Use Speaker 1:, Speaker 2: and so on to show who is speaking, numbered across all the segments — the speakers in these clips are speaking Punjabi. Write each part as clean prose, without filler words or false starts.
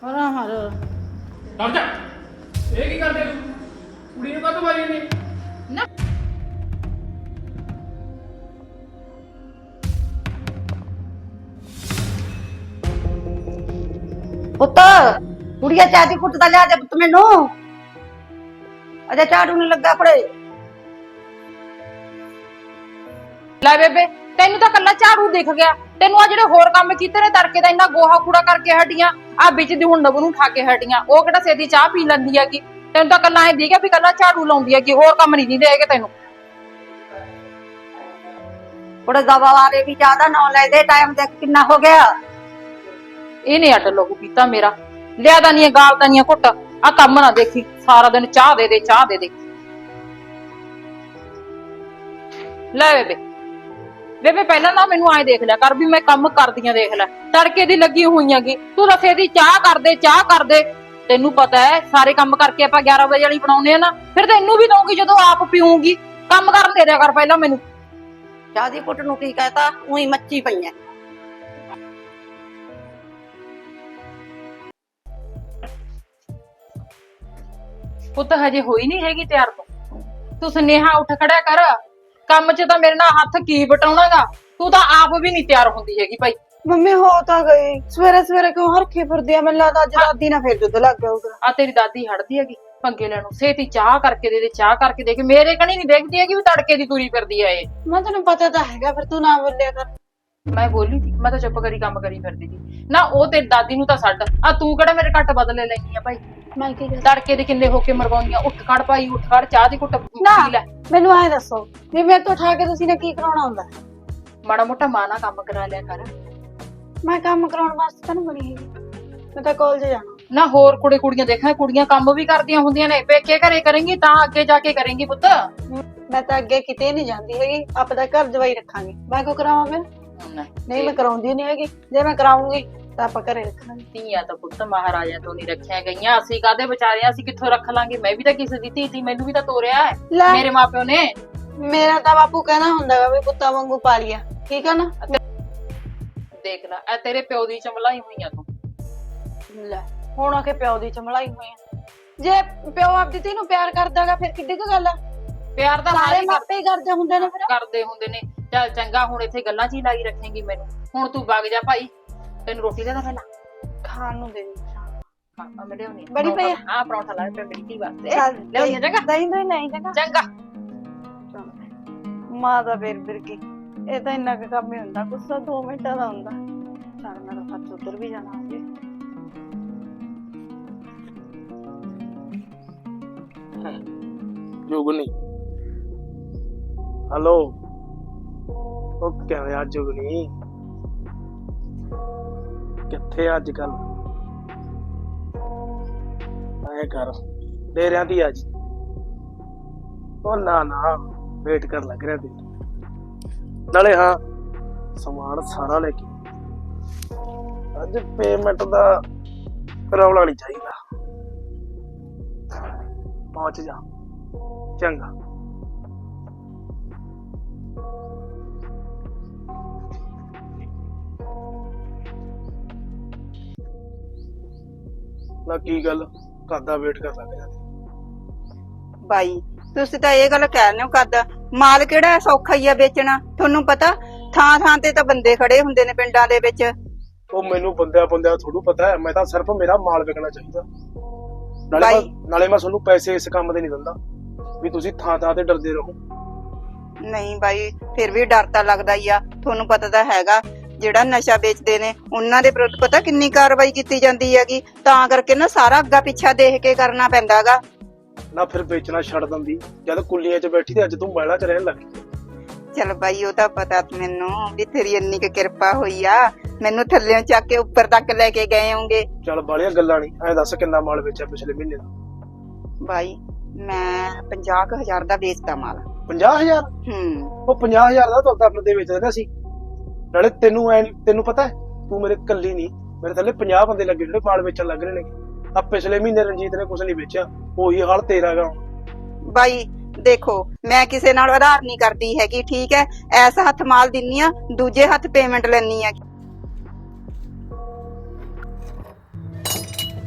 Speaker 1: ਹਰਾ ਹਰ
Speaker 2: ਡਰ ਜਾ। ਇਹ ਕੀ ਕਰਦੇ ਤੂੰ? ਕੁੜੀ ਨੂੰ ਕਾਹਤੋਂ ਮਾਰੀ ਨਹੀਂ?
Speaker 1: ਨਾ ਪੁੱਤ ਕੁੜੀਆ ਚਾਹ ਦੀ ਕੁੱਟ ਦਾ ਲਿਆ ਦੇ ਪੁੱਤ ਮੈਨੂੰ ਅਜੇ ਝਾੜੂ ਨਹੀਂ ਲੱਗਾ ਫੜੇ
Speaker 3: ਲੈ ਬੇਬੇ ਤੈਨੂੰ ਤਾਂ ਕੱਲਾ ਝਾੜੂ ਦਿਖ ਗਿਆ। ਤੈਨੂੰ ਆ ਜਿਹੜੇ ਹੋਰ ਕੰਮ ਕੀਤੇ ਨੇ ਤੜਕੇ ਦਾ ਇੰਨਾ ਗੋਹਾ ਕੂੜਾ ਕਰਕੇ ਹਟੀਆਂ ਆ ਵਿੱਚ ਦੀ ਹੁਣ ਨਬੂ ਨੂੰ ਠਾ ਕੇ ਹਟੀਆਂ। ਉਹ ਕਿਹੜਾ ਸੇਦੀ ਚਾਹ ਪੀ ਲੈਂਦੀ ਹੈਗੀ। ਤੈਨੂੰ ਤਾਂ ਕੱਲਾ ਐ ਦਿਖਿਆ ਵੀ ਕੱਲਾ ਝਾੜੂ ਲਾਉਂਦੀ ਹੈਗੀ, ਹੋਰ ਕੰਮ ਨਹੀਂ ਦਿੰਦੇ ਹੈਗੇ ਤੈਨੂੰ।
Speaker 1: ਬੜੇ ਦਵਾ ਵਾਲੇ ਵੀ ਜ਼ਿਆਦਾ ਨਾ ਲੈ ਦੇ ਟਾਈਮ ਦੇਖ ਕਿੰਨਾ ਹੋ ਗਿਆ।
Speaker 3: ਇਹਨੇ ਅੱਡ ਲਹੂ ਪੀਤਾ ਮੇਰਾ। ਲਿਆ ਤਾਂ ਨਹੀਂ ਗਾਲ ਤਾਂ ਨਹੀਂ ਘੁੱਟ। ਆ ਕੰਮ ਨਾ ਦੇਖੀ ਸਾਰਾ ਦਿਨ ਚਾਹ ਦੇ ਦੇ ਚਾਹ ਦੇ ਦੇ। ਲੈ ਬੇਬੇ ਬੇਬੇ ਪਹਿਲਾਂ ਨਾ ਮੈਨੂੰ ਐ ਦੇਖ ਲਿਆ ਕਰ ਵੀ ਮੈਂ ਕੰਮ ਕਰਦੀਆਂ ਦੇਖ ਲੈ। ਤੜਕੇ ਦੀ ਲੱਗੀ ਹੋਈਆਂਗੀ ਤੂੰ ਰਸੇ ਦੀ ਚਾਹ ਕਰ ਦੇ। ਤੈਨੂੰ ਪਤਾ ਹੈ ਸਾਰੇ ਕੰਮ ਕਰਕੇ ਆਪਾਂ 11 ਵਜੇ ਵਾਲੀ ਬਣਾਉਨੇ ਆ ਨਾ, ਫਿਰ ਤੈਨੂੰ ਵੀ ਦਊਂਗੀ ਜਦੋਂ ਆਪ ਪੀਊਂਗੀ। ਕੰਮ ਕਰਨ ਦੇ ਦਿਆ ਕਰ ਪਹਿਲਾਂ ਮੈਨੂੰ।
Speaker 1: ਚਾਹ ਦੀ ਕੁੱਟ ਨੂੰ ਕੀ ਕਹਤਾ ਉਹੀ ਮੱਚੀ ਪਈਆਂ।
Speaker 3: ਪੁੱਤ ਹਜੇ ਹੋਈ ਨਹੀਂ ਹੈਗੀ ਤਿਆਰ ਤੂੰ ਸੁਨੇਹਾ ਉੱਠ ਖੜਿਆ ਕਰ। ਕੰਮ 'ਚ ਤਾਂ ਮੇਰੇ ਨਾਲ ਹੱਥ ਕੀ ਵਟਾਉਣਾਗਾ। ਤੂੰ ਤਾਂ ਆਪ ਵੀ ਨਹੀਂ ਤਿਆਰ ਹੁੰਦੀ ਹੈਗੀ ਭਾਈ।
Speaker 4: ਮੰਮੀ ਹੋ ਤਾਂ ਗਈ ਸਵੇਰੇ ਸਵੇਰੇ ਕਿਉਂ ਹਰਖੇ ਫਿਰਦੀ ਆ? ਮੈਨੂੰ ਲੱਗਦਾ ਅੱਜ ਦਾਦੀ ਨਾ ਫਿਰ ਦੁੱਧ ਲੱਗ ਗਿਆ ਹੋਊਗਾ।
Speaker 3: ਆ ਤੇਰੀ ਦਾਦੀ ਹੜਦੀ ਹੈਗੀ ਪੰਗੇ ਲੈਣੋਂ। ਸੇਤੀ ਚਾਹ ਕਰਕੇ ਦੇ ਦੇ ਚਾਹ ਕਰਕੇ ਦੇ ਕੇ ਮੇਰੇ ਕਣੀ ਨਹੀਂ ਦੇਖਦੀ ਹੈਗੀ ਵੀ ਤੜਕੇ ਦੀ ਤੁਰੀ ਫਿਰਦੀ ਆ ਇਹ।
Speaker 4: ਮੈਂ ਤੈਨੂੰ ਪਤਾ ਤਾਂ ਹੈਗਾ, ਫਿਰ ਤੂੰ ਨਾ ਬੋਲਿਆ ਕਰ।
Speaker 3: ਮੈਂ ਬੋਲੀ ਸੀ, ਮੈਂ ਤਾਂ ਚੁੱਪ ਕਰੀ ਕੰਮ ਕਰੀ ਫਿਰਦੀ ਸੀ ਨਾ। ਉਹ ਤੇਰੀ ਦਾਦੀ ਨੂੰ ਤਾਂ ਛੱਡ, ਆ ਤੂੰ ਕਿਹੜਾ ਮੇਰੇ ਘੱਟ ਬਦਲੇ ਲੈਣੀ ਆ ਭਾਈ।
Speaker 4: ਮੈਂ ਕੀ ਕਰ
Speaker 3: ਤੜਕੇ ਦੇ ਕਿੰਨੇ ਹੋ ਕੇ ਮਰਵਾਉਂਦੀਆਂ। ਉੱਠ ਖੜ ਭਾਈ ਉੱਠ ਖੜ, ਚਾਹ ਦੀ ਘੁੱਟ
Speaker 4: ਨਾ
Speaker 3: ਪੀ ਲੈ।
Speaker 4: ਮੈਨੂੰ ਐ ਦੱਸੋ ਵੀ ਮੇਰੇ ਤੋਂ ਉਠਾ ਕੇ ਤੁਸੀਂ ਨੇ ਕੀ ਕਰਾਉਣਾ ਹੁੰਦਾ?
Speaker 3: ਮਾੜਾ ਮੋਟਾ ਮਾਂ ਨਾਲ ਕੰਮ ਕਰਾ ਲਿਆ ਕਰ।
Speaker 4: ਮੈਂ ਕੰਮ ਕਰਾਉਣ ਵਾਸਤੇ ਤਾਂ ਨੀ ਬਣੀ ਹੈਗੀ। ਮੈਂ ਤਾਂ ਕਾਲਜ ਜਾਣਾ।
Speaker 3: ਨਾ ਹੋਰ ਕੁੜੀਆਂ ਦੇਖਾਂ, ਕੁੜੀਆਂ ਕੰਮ ਵੀ ਕਰਦੀਆਂ ਹੁੰਦੀਆਂ ਨੇ। ਪੇਕੇ ਘਰੇ ਕਰੇਂਗੀ ਤਾਂ ਅੱਗੇ ਜਾ ਕੇ ਕਰੇਂਗੀ ਪੁੱਤ।
Speaker 4: ਮੈਂ ਤਾਂ ਅੱਗੇ ਕਿਤੇ ਨਹੀਂ ਜਾਂਦੀ ਹੈਗੀ, ਆਪਦਾ ਘਰ ਜਵਾਈ ਰੱਖਾਂਗੇ। ਮੈਂ ਕਿਉਂ ਕਰਾਵਾਂ ਫਿਰ? ਨਹੀਂ ਮੈਂ ਕਰਾਉਂਦੀ ਨਹੀਂ ਹੈਗੀ। ਜੇ ਮੈਂ ਕਰਾਉਂਗੀ ਤਾਂ ਆਪਾਂ ਘਰੇ ਰੱਖਾਂਗੇ।
Speaker 3: ਧੀਆਂ ਤਾਂ ਪੁੱਤ ਮਹਾਰਾਜਾ ਤੋਂ ਨਹੀਂ ਰੱਖਿਆ ਗਈਆਂ। ਅਸੀਂ ਕਾਹਦੇ ਵਿਚਾਰੇ, ਅਸੀਂ ਕਿੱਥੋਂ ਰੱਖ ਲਾਂਗੇ। ਮੈਂ ਵੀ ਤਾਂ ਕਿਸੇ ਦੀ ਧੀ ਸੀ, ਮੈਨੂੰ ਵੀ ਤਾਂ ਤੋਰਿਆ ਹੈ
Speaker 4: ਲੈ।
Speaker 3: ਮੇਰੇ ਮਾਪਿਓ ਨੇ।
Speaker 4: ਮੇਰਾ ਤਾਂ ਬਾਪੂ ਕਹਿੰਦਾ ਹੁੰਦਾ ਵਾ ਵੀ ਪੁੱਤਾਂ ਵਾਂਗੂ ਪਾਲੀਆ, ਠੀਕ ਆ ਨਾ?
Speaker 3: ਦੇਖ ਲੈ ਇਹ ਤੇਰੇ ਪਿਓ ਦੀ ਚਮਲਾਈ ਹੋਈਆਂ ਤੂੰ।
Speaker 4: ਲੈ ਹੁਣ ਆ ਕੇ ਪਿਓ ਦੀ ਚਮਲਾਈ ਹੋਈ ਆ। ਜੇ ਪਿਓ ਆਪਦੀ ਧੀ ਨੂੰ ਪਿਆਰ ਕਰਦਾਗਾ ਫਿਰ ਕਿੱਡੀ ਕੁ ਗੱਲ ਆ?
Speaker 3: ਪਿਆਰ ਤਾਂ
Speaker 4: ਸਾਰੇ
Speaker 3: ਸਾਰੇ
Speaker 4: ਮਾਪੇ ਹੀ ਕਰਦੇ ਹੁੰਦੇ ਨੇ ਫਿਰ।
Speaker 3: ਕਰਦੇ ਹੁੰਦੇ ਨੇ। ਚੱਲ ਚੰਗਾ ਹੁਣ ਇੱਥੇ ਗੱਲਾਂ 'ਚ ਹੀ ਲਾਈ ਰੱਖੇਂਗੀ ਮੈਨੂੰ। ਹੁਣ ਤੂੰ ਵਗ ਜਾ ਭਾਈ, ਤੈਨੂੰ ਰੋਟੀ ਦੇ ਦਾਂ ਪਹਿਲਾਂ।
Speaker 4: ਖਾਣ ਨੂੰ ਦੇ ਦੇ।
Speaker 3: ਹਾਂ ਮੈਂ ਲਿਆਉਣੀ
Speaker 4: ਬੜੀ ਪਈ ਆ?
Speaker 3: ਹਾਂ ਪਰੌਂਠਾ ਲਾ ਪਿਆ ਮੇਰੀ ਧੀ ਵਾਸਤੇ।
Speaker 4: ਚੱਲ
Speaker 3: ਲਿਆਉਣੀ ਆ ਚੰਗਾ।
Speaker 4: ਦਹੀਂ ਦਹੀਂ ਨਹੀਂ ਚੰਗਾ।
Speaker 3: ਚੰਗਾ
Speaker 4: ਮਾਂ ਦਾ ਫਿਰ ਕੀ, ਇਹ ਤਾਂ ਇੰਨਾ ਕੁ ਕੰਮ ਹੀ ਹੁੰਦਾ। ਗੁੱਸਾ 2 ਮਿੰਟਾਂ ਦਾ ਹੁੰਦਾ। ਚੱਲ ਮੇਰਾ ਸੱਚ ਉਧਰ ਵੀ ਜਾਣਾ ਹੋਵੇ।
Speaker 2: ਜੁਗਨੀ ਹੈਲੋ। ਉਹ ਕਿਵੇਂ ਆ ਜੁਗਨੀ? ਕਿੱਥੇ ਅੱਜ ਕੱਲ? ਐ ਕਰ ਡੇਰਿਆਂ ਦੀ ਅੱਜ। ਉਹ ਨਾ ਵੇਟ ਕਰ ਲੱਗ ਰਿਹਾ ਤੇ ਨਾਲੇ ਹਾਂ ਸਮਾਨ ਸਾਰਾ ਲੈ ਕੇ ਅੱਜ ਪੇਮੈਂਟ ਦਾ ਰੌਲਾ ਨਹੀਂ ਚਾਹੀਦਾ। ਪਹੁੰਚ ਜਾ ਚੰਗਾ। ਨਾ ਕੀ ਗੱਲ ਕਰਦਾ ਵੇਟ ਕਰ ਲੱਗ ਜਾਂਦੀ
Speaker 1: ਬਾਈ ਤੁਸੀਂ ਤਾਂ ਇਹ ਗੱਲ ਕਹਿ ਰਹੇ ਹੋ ਕਰਦਾ ਮਾਲ ਕਿਹੜਾ ਸੌਖਾ ਹੀ ਆ ਵੇਚਣਾ। ਤੁਹਾਨੂੰ ਪਤਾ ਥਾਂ ਥਾਂ ਤੇ ਤਾਂ ਬੰਦੇ ਖੜੇ ਹੁੰਦੇ ਨੇ ਪਿੰਡਾਂ ਦੇ ਵਿੱਚ।
Speaker 2: ਉਹ ਮੈਨੂੰ ਬੰਦਿਆਂ ਥੋੜੂ ਪਤਾ ਹੈ। ਮੈਂ ਤਾਂ ਸਿਰਫ ਮੇਰਾ ਮਾਲ ਵਿਕਣਾ ਚਾਹੀਦਾ। ਨਾਲੇ ਮੈਂ ਤੁਹਾਨੂੰ ਪੈਸੇ ਇਸ ਕੰਮ ਦੇ ਨਹੀਂ ਦਿੰਦਾ ਵੀ ਤੁਸੀਂ ਥਾਂ ਥਾਂ ਤੇ ਡਰਦੇ ਰਹੋ।
Speaker 1: ਨਹੀਂ ਬਾਈ ਫਿਰ ਵੀ ਡਰ ਤਾਂ ਲੱਗਦਾ ਹੀ ਆ। ਤੁਹਾਨੂੰ ਪਤਾ ਤਾਂ ਹੈਗਾ ਜਿਹੜਾ ਨਸ਼ਾ ਵੇਚਦੇ ਨੇ ਉਹਨਾਂ ਦੇ ਵਿਰੁੱਧ ਪਤਾ ਕਿੰਨੀ ਕਾਰਵਾਈ ਕੀਤੀ ਜਾਂਦੀ ਹੈਗੀ। ਤਾਂ ਕਰਕੇ ਨਾ ਸਾਰਾ ਅੱਗਾ ਪਿੱਛਾ ਦੇਖ ਕੇ ਕਰਨਾ ਪੈਂਦਾਗਾ।
Speaker 2: ਨਾ ਫਿਰ ਵੇਚਣਾ ਛੱਡ ਦਿੰਦੀ ਜਦ ਕੁੱਲੀਆਂ 'ਚ ਬੈਠੀ ਤੇ ਅੱਜ ਤੂੰ ਮਹਿਲਾ 'ਚ ਰਹਿਣ ਲੱਗੀ।
Speaker 1: ਚਲ ਬਾਈ ਉਹ ਤਾਂ ਪਤਾ ਮੈਨੂੰ ਵੀ ਤੇਰੀ ਇੰਨੀ ਕੁ ਕਿਰਪਾ ਹੋਈ ਆ। ਮੈਨੂੰ ਥੱਲਿਓਂ ਚੱਕ ਕੇ ਉੱਪਰ ਤੱਕ ਲੈ ਕੇ ਗਏ ਹੋਗੇ।
Speaker 2: ਚੱਲ ਬਾਲੀਆਂ ਗੱਲਾਂ ਨਹੀਂ। ਐ ਦੱਸ ਕਿੰਨਾ ਮਾਲ ਵੇਚਿਆ ਪਿਛਲੇ ਮਹੀਨੇ ਦਾ?
Speaker 1: ਬਾਈ ਮੈਂ 50,000 ਦਾ ਵੇਚਦਾ ਮਾਲ।
Speaker 2: 50,000? ਉਹ 50,000 ਦਾ ਤਾਂ ਆਪਣੇ ਦੇ ਵੇਚਦੇ ਸੀ। ਨਾਲੇ ਤੈਨੂੰ ਪਤਾ ਤੂੰ ਮੇਰੇ ਕੱਲੀ ਨਹੀਂ, ਮੇਰੇ ਥੱਲੇ 50 ਬੰਦੇ ਲੱਗੇ ਜਿਹੜੇ ਮਾਲ ਵੇਚਣ ਲੱਗ ਰਹੇ ਨੇ। ਆ ਪਿਛਲੇ ਮਹੀਨੇ ਰਣਜੀਤ ਨੇ ਕੁਝ ਨਹੀਂ ਵੇਚਿਆ। ਉਹੀ ਹਾਲ ਤੇਰਾ ਗਾ ਹੁਣ।
Speaker 1: ਬਾਈ ਦੇਖੋ ਮੈਂ ਕਿਸੇ ਨਾਲ ਆਧਾਰ ਨਹੀਂ ਕਰਦੀ ਹੈਗੀ, ਠੀਕ ਹੈ? ਐਸ ਹੱਥ ਮਾਲ ਦਿੰਨੀ ਆ, ਦੂਜੇ ਹੱਥ ਪੇਮੈਂਟ ਲੈਣੀ ਆ।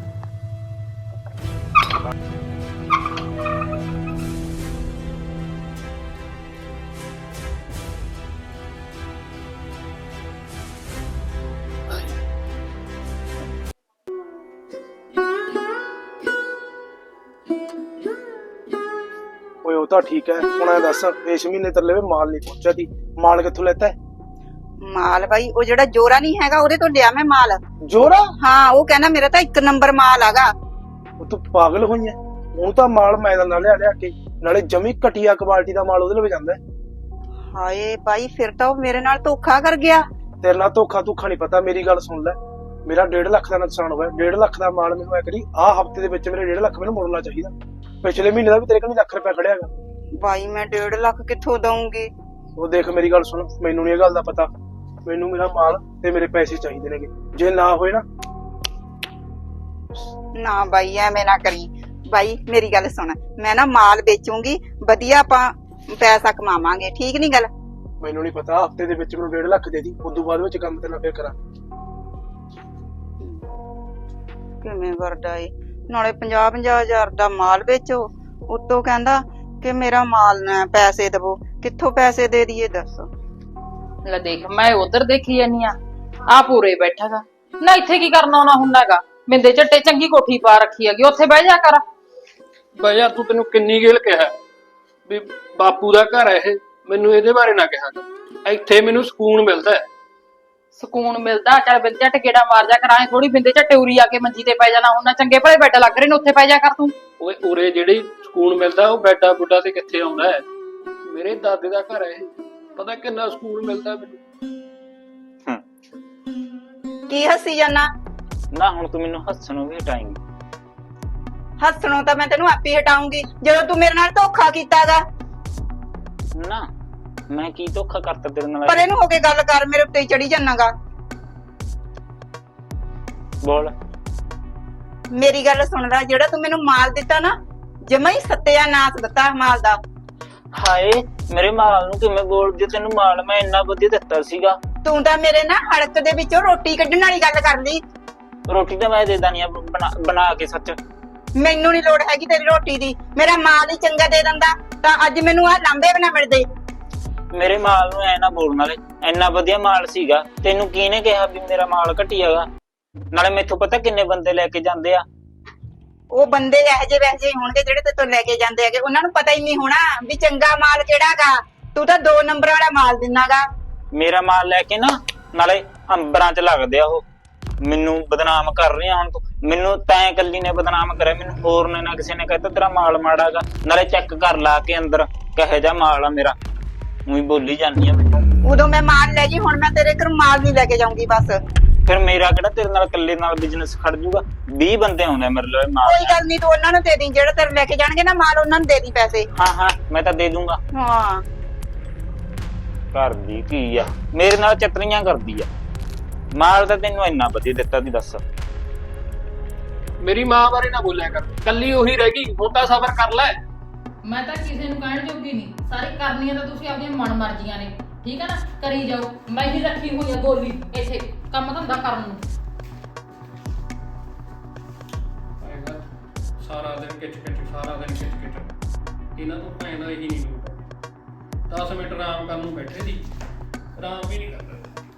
Speaker 2: ਓਏ ਉਹ ਤਾਂ ਠੀਕ ਹੈ, ਹੁਣ ਇਹ ਦੱਸ ਇਸ ਮਹੀਨੇ ਤੇਰੇ ਲਈ ਮਾਲ ਨਹੀਂ ਪਹੁੰਚਿਆ ਸੀ, ਮਾਲ ਕਿੱਥੋਂ ਲੈਤਾ?
Speaker 1: ਮਾਲ ਬਾਈ ਉਹ ਜਿਹੜਾ ਜੋਰਾ ਨਹੀਂ ਹੈਗਾ ਉਹਦੇ ਤੋਂ ਲਿਆ ਮੈਂ ਮਾਲ।
Speaker 2: ਜੋਰਾ?
Speaker 1: ਹਾਂ, ਉਹ ਕਹਿੰਦਾ ਮੇਰਾ ਤਾਂ 1 ਨੰਬਰ ਮਾਲ ਆਗਾ।
Speaker 2: ਉਹ ਤੂੰ ਪਾਗਲ ਹੋਈ ਐ? ਉਹ ਤਾਂ ਮਾਲ ਮੈਂ ਨਾਲ ਲਿਆ ਕੇ, ਨਾਲੇ ਜਮੀ ਘਟੀਆ ਕੁਆਲਿਟੀ ਦਾ ਮਾਲ ਉਹਦੇ ਲਈ ਜਾਂਦਾ।
Speaker 1: ਹਾਏ ਬਾਈ, ਫਿਰ ਤਾਂ ਉਹ ਮੇਰੇ ਨਾਲ ਧੋਖਾ ਕਰ ਗਿਆ।
Speaker 2: ਤੇਰੇ ਨਾਲ ਧੋਖਾ ਨਹੀਂ ਪਤਾ, ਮੇਰੀ ਗੱਲ ਸੁਣ ਲੈ। ਮੇਰਾ 1.5 ਲੱਖ ਦਾ ਨੁਕਸਾਨ ਹੋਇਆ। 1.5 ਲੱਖ ਦਾ ਮਾਲ ਮੈਨੂੰ ਐ ਕਰੀ, ਆਹ ਹਫਤੇ ਦੇ ਵਿੱਚ ਮੇਰੇ 1.5 ਲੱਖ ਮੈਨੂੰ ਮੁੜਨਾ ਚਾਹੀਦਾ। ਪਿਛਲੇ ਮਹੀਨੇ ਦਾ ਵੀ ਤੇਰੇ ਕੋਲ ਲੱਖ ਰੁਪਇਆ ਖੜਿਆਗਾ।
Speaker 1: ਬਾਈ ਮੈਂ 1.5 ਲੱਖ ਕਿੱਥੋਂ ਦਊਂਗੀ?
Speaker 2: ਉਹ ਦੇਖ ਮੇਰੀ ਗੱਲ ਸੁਣ, ਮੈਨੂੰ ਨੀ ਇਹ ਗੱਲ ਦਾ ਪਤਾ, ਮੈਨੂੰ ਮੇਰਾ ਮਾਲ ਤੇ ਮੇਰੇ ਪੈਸੇ ਚਾਹੀਦੇ ਨੇਗੇ। ਜੇ ਨਾ ਹੋਏ
Speaker 1: ਨਾ ਬਾਈ ਐਵੇਂ ਨਾ ਕਰੀ। ਬਾਈ ਮੇਰੀ ਗੱਲ ਸੁਣ, ਮੈਂ ਨਾ ਮਾਲ ਵੇਚੂੰਗੀ, ਵਧੀਆ ਆਪਾਂ ਪੈਸਾ ਕਮਾਵਾਂਗੇ, ਠੀਕ ਨੀ ਗੱਲ?
Speaker 2: ਮੈਨੂੰ ਨਹੀਂ ਪਤਾ, ਹਫਤੇ ਦੇ ਵਿੱਚ ਮੈਨੂੰ 1.5 ਲੱਖ ਦੇ ਦੀ, ਉਦੋਂ ਬਾਅਦ ਵਿੱਚ ਕੰਮ ਤੇ ਨਾ ਫੇਰ ਕਰਾਂ।
Speaker 1: ਕਿਵੇਂ ਕਰਦਾ ਏ? ਨਾਲੇ 50-50 ਹਜ਼ਾਰ ਦਾ ਮਾਲ ਵੇਚੋ, ਉੱਤੋਂ ਕਹਿੰਦਾ ਕਿ ਮੇਰਾ ਮਾਲ ਨਾ ਪੈਸੇ ਦਵੋ। ਕਿੱਥੋਂ ਪੈਸੇ ਦੇ ਦਈਏ ਦੱਸ?
Speaker 3: ਲੈ ਦੇਖ, ਮੈਂ ਉਧਰ ਦੇਖੀ ਜਾਨੀ ਆ ਪੂਰੇ ਬੈਠਾਗਾ ਨਾ। ਇੱਥੇ ਕੀ ਕਰਨਾ ਆਉਣਾ ਹੁੰਦਾਗਾ? ਮਿੰਦੇ ਝੱਟੇ ਚੰਗੀ ਕੋਠੀ ਪਾ ਰੱਖੀ ਹੈਗੀ, ਉੱਥੇ ਬਹਿ ਜਾ ਕਰ।
Speaker 5: ਬਈ ਯਾਰ ਤੂੰ, ਤੈਨੂੰ ਕਿੰਨੀ ਗੇਲ ਕਿਹਾ ਵੀ ਬਾਪੂ ਦਾ ਘਰ ਹੈ ਇਹ, ਮੈਨੂੰ ਇਹਦੇ ਬਾਰੇ ਨਾ ਕਿਹਾ ਕਰ। ਇੱਥੇ ਮੈਨੂੰ ਸਕੂਨ ਮਿਲਦਾ ਹੈ।
Speaker 3: ਸਕੂਨ ਮਿਲਦਾ? ਚੱਲ ਬਿੰਦੇ ਝੱਟ ਗੇੜਾ ਮਾਰ ਜਾ ਕਰ, ਐ ਥੋੜੀ ਬਿੰਦੇ ਝੱਟੇ ਉਰੀ ਆ ਕੇ ਮੰਜੀ ਤੇ ਪੈ ਜਾਣਾ ਹੁੰਦਾ। ਚੰਗੇ ਭਲੇ ਬੈੱਡ ਲੱਗ ਰਹੇ ਨੇ, ਉੱਥੇ ਪੈ ਜਾ ਕਰ ਤੂੰ।
Speaker 5: ਓਏ ਉਰੇ ਜਿਹੜੀ ਸਕੂਨ ਮਿਲਦਾ ਉਹ ਬੈਡਾ ਬੁੱਡਾ ਤੇ ਕਿੱਥੇ ਆਉਂਦਾ ਹੈ? ਮੇਰੇ ਦਾਦੇ ਦਾ ਘਰ ਹੈ ਇਹ, ਪਤਾ ਕਿੰਨਾ ਸਕੂਨ ਮਿਲਦਾ ਮੈਨੂੰ।
Speaker 1: ਕੀ ਹੱਸੀ ਜਾਨਾ?
Speaker 6: ਨਾ ਹੁਣ ਤੂੰ ਮੈਨੂੰ ਹੱਸਣੋਂ ਵੀ ਹਟਾਏਂਗੀ।
Speaker 1: ਹੱਸਣੋਂ ਤਾਂ ਮੈਂ ਤੈਨੂੰ ਆਪੇ ਹਟਾਉਂਗੀ ਜਦੋਂ ਤੂੰ ਮੇਰੇ ਨਾਲ ਧੋਖਾ ਕੀਤਾਗਾ।
Speaker 6: ਨਾ ਮੈਂ ਕੀ ਧੋਖਾ ਕਰਤਾ ਤੇਰੇ ਨਾਲ?
Speaker 1: ਪਰ ਇਹਨੂੰ ਹੋ ਕੇ ਗੱਲ ਕਰ, ਮੇਰੇ ਉੱਤੇ ਹੀ ਚੜੀ ਜਾਨਾਗਾ।
Speaker 6: ਬੋਲ।
Speaker 1: ਮੇਰੀ ਗੱਲ ਸੁਣ ਲੈ, ਜਿਹੜਾ ਤੂੰ ਮੈਨੂੰ ਮਾਲ ਦਿੱਤਾ ਨਾ, ਜਮਾ ਹੀ ਸੱਤਿਆਨਾਸ਼ ਦਿੱਤਾ ਮਾਲ ਦਾ।
Speaker 6: ਹਾਏ, ਮੇਰੇ ਮਾਲ ਨੂੰ ਕਿਵੇਂ ਬੋਲਦੀ? ਤੈਨੂੰ ਮਾਲ ਮੈਂ ਇੰਨਾ ਵਧੀਆ ਦਿੱਤਾ ਸੀਗਾ।
Speaker 1: ਤੂੰ ਤਾਂ ਮੇਰੇ ਨਾ ਹੜਕ ਦੇ ਵਿੱਚੋਂ ਰੋਟੀ ਕੱਢਣ ਵਾਲੀ ਗੱਲ ਕਰ ਲਈ।
Speaker 6: ਰੋਟੀ ਤਾਂ ਮੈਂ ਦੇ ਦਾਨੀ ਆ ਬਣਾ ਕੇ। ਸੱਚ
Speaker 1: ਮੈਨੂੰ ਨਹੀਂ ਲੋੜ ਹੈਗੀ ਤੇਰੀ ਰੋਟੀ ਦੀ, ਮੇਰਾ ਮਾਲ ਹੀ ਚੰਗਾ ਦੇ ਦਿੰਦਾ ਤਾਂ ਅੱਜ ਮੈਨੂੰ ਆਹ ਲਾਂਬੇ ਵੀ ਨਾ ਮਿਲਦੇ।
Speaker 6: ਮੇਰੇ ਮਾਲ ਨੂੰ ਐ ਨਾ ਬੋਲਣ ਵਾਲੇ, ਇੰਨਾ ਵਧੀਆ ਮਾਲ ਸੀਗਾ। ਤੈਨੂੰ ਕਿਹਨੇ ਕਿਹਾ ਵੀ ਮੇਰਾ ਮਾਲ ਘਟੀਆਗਾ? ਨਾਲੇ ਮੈਥੋਂ ਪਤਾ ਕਿੰਨੇ ਬੰਦੇ ਲੈ ਕੇ ਜਾਂਦੇ ਆ।
Speaker 1: ਉਹ ਬੰਦੇ ਇਹੋ ਜਿਹੇ ਵੈਸੇ ਜਿਹੇ ਹੋਣਗੇ ਜਿਹੜੇ ਤੇ ਤੋਂ ਲੈ ਕੇ ਜਾਂਦੇ ਹੈਗੇ, ਉਹਨਾਂ ਨੂੰ ਪਤਾ ਹੀ ਨਹੀਂ ਹੋਣਾ ਵੀ ਚੰਗਾ ਮਾਲ ਕਿਹੜਾਗਾ। ਤੂੰ ਤਾਂ 2 ਨੰਬਰ ਵਾਲਾ ਮਾਲ ਦਿਨਾਗਾ।
Speaker 6: ਮੇਰਾ ਮਾਲ ਲੈ ਕੇ ਨਾ ਨਾਲੇ ਅੰਬਰਾਂ 'ਚ ਲੱਗਦੇ ਆ ਉਹ। ਮੈਨੂੰ ਬਦਨਾਮ ਕਰ ਰਹੀ ਆ ਹੁਣ ਤੂੰ। ਮੈਨੂੰ ਤੈਂ ਕੱਲੀ ਨੇ ਬਦਨਾਮ ਕਰਿਆ, ਮੈਨੂੰ ਹੋਰ ਨੇ ਨਾ ਕਿਸੇ ਨੇ ਕਹਿਤਾ ਤੇਰਾ ਮਾਲ ਮਾੜਾਗਾ। ਨਾਲੇ ਚੈੱਕ ਕਰ ਲਾ ਕੇ ਅੰਦਰ ਕਿਹੋ ਜਿਹਾ ਮਾਲ ਆ ਮੇਰਾ। ਉਹੀ ਬੋਲੀ ਜਾਂਦੀ ਆ ਮੈਨੂੰ।
Speaker 1: ਉਦੋਂ ਮੈਂ ਮਾਲ ਲੈ ਗਈ, ਹੁਣ ਮੈਂ ਤੇਰੇ ਘਰ ਮਾਲ ਨਹੀਂ ਲੈ ਕੇ ਜਾਊਂਗੀ ਬਸ।
Speaker 6: ਫਿਰ ਮੇਰਾ ਕਿਹੜਾ ਤੇਰੇ ਨਾਲ ਇਕੱਲੇ ਨਾਲ ਬਿਜ਼ਨਸ ਖੜ ਜੂਗਾ? 20 ਬੰਦੇ ਆਉਂਦੇ ਮੇਰੇ ਲਈ ਮਾਲ।
Speaker 1: ਕੋਈ ਗੱਲ ਨਹੀਂ, ਤੂੰ ਉਹਨਾਂ ਨੂੰ ਦੇ ਦੀ, ਜਿਹੜਾ ਤੇਰੇ ਲੈ ਕੇ ਜਾਣਗੇ ਨਾ ਮਾਲ, ਉਹਨਾਂ ਨੂੰ ਦੇ ਦੀ ਪੈਸੇ।
Speaker 6: ਹਾਂ ਮੈਂ ਤਾਂ ਦੇ ਦੂੰਗਾ।
Speaker 1: ਹਾਂ,
Speaker 6: ਕਰਦੀ ਕੀ ਆ? ਮੇਰੇ ਨਾਲ ਚਤਰੀਆਂ ਕਰਦੀ ਆ। ਮਾਲ ਤਾਂ ਤੈਨੂੰ ਇੰਨਾ ਵਧੀਆ ਦਿੱਤਾ ਤੀ, ਦੱਸ।
Speaker 5: ਮੇਰੀ ਮਾਂ ਬਾਰੇ ਨਾ ਬੋਲਿਆ ਕਰ, ਕੱਲੀ ਉਹੀ ਰਹਿ ਗਈ। ਹੁਣ ਤਾਂ ਸਬਰ ਕਰ ਲੈ।
Speaker 3: ਮੈਂ ਤਾਂ ਕਿਸੇ ਨੂੰ ਕਹਿਣ ਜੋਗੀ ਨਹੀਂ, ਸਾਰੀ ਕਰਨੀਆਂ ਤਾਂ ਤੁਸੀਂ ਆਪਣੀਆਂ ਮਨ ਮਰਜ਼ੀਆਂ ਨੇ, ਠੀਕ ਹੈ ਨਾ? ਕਰੀ ਜਾਓ, ਮੈਂ ਹੀ ਰੱਖੀ ਹੋਈ ਆ ਗੋਲੀ ਇੱਥੇ ਕੰਮ ਧੰਦਾ ਕਰਨ ਨੂੰ।
Speaker 5: ਸਾਰਾ ਦਿਨ ਕਿਚ ਸਾਰਾ ਦਿਨ ਕਿਚ ਇਹਨਾਂ ਤੋਂ ਭੈਣ ਦਾ ਇਹੀ ਨਹੀਂ ਲੋਟ। 10 ਮਿੰਟ ਆਰਾਮ ਕਰਨ ਨੂੰ ਬੈਠੇ ਸੀ, ਆਰਾਮ ਵੀ ਨਹੀਂ ਕਰਦਾ।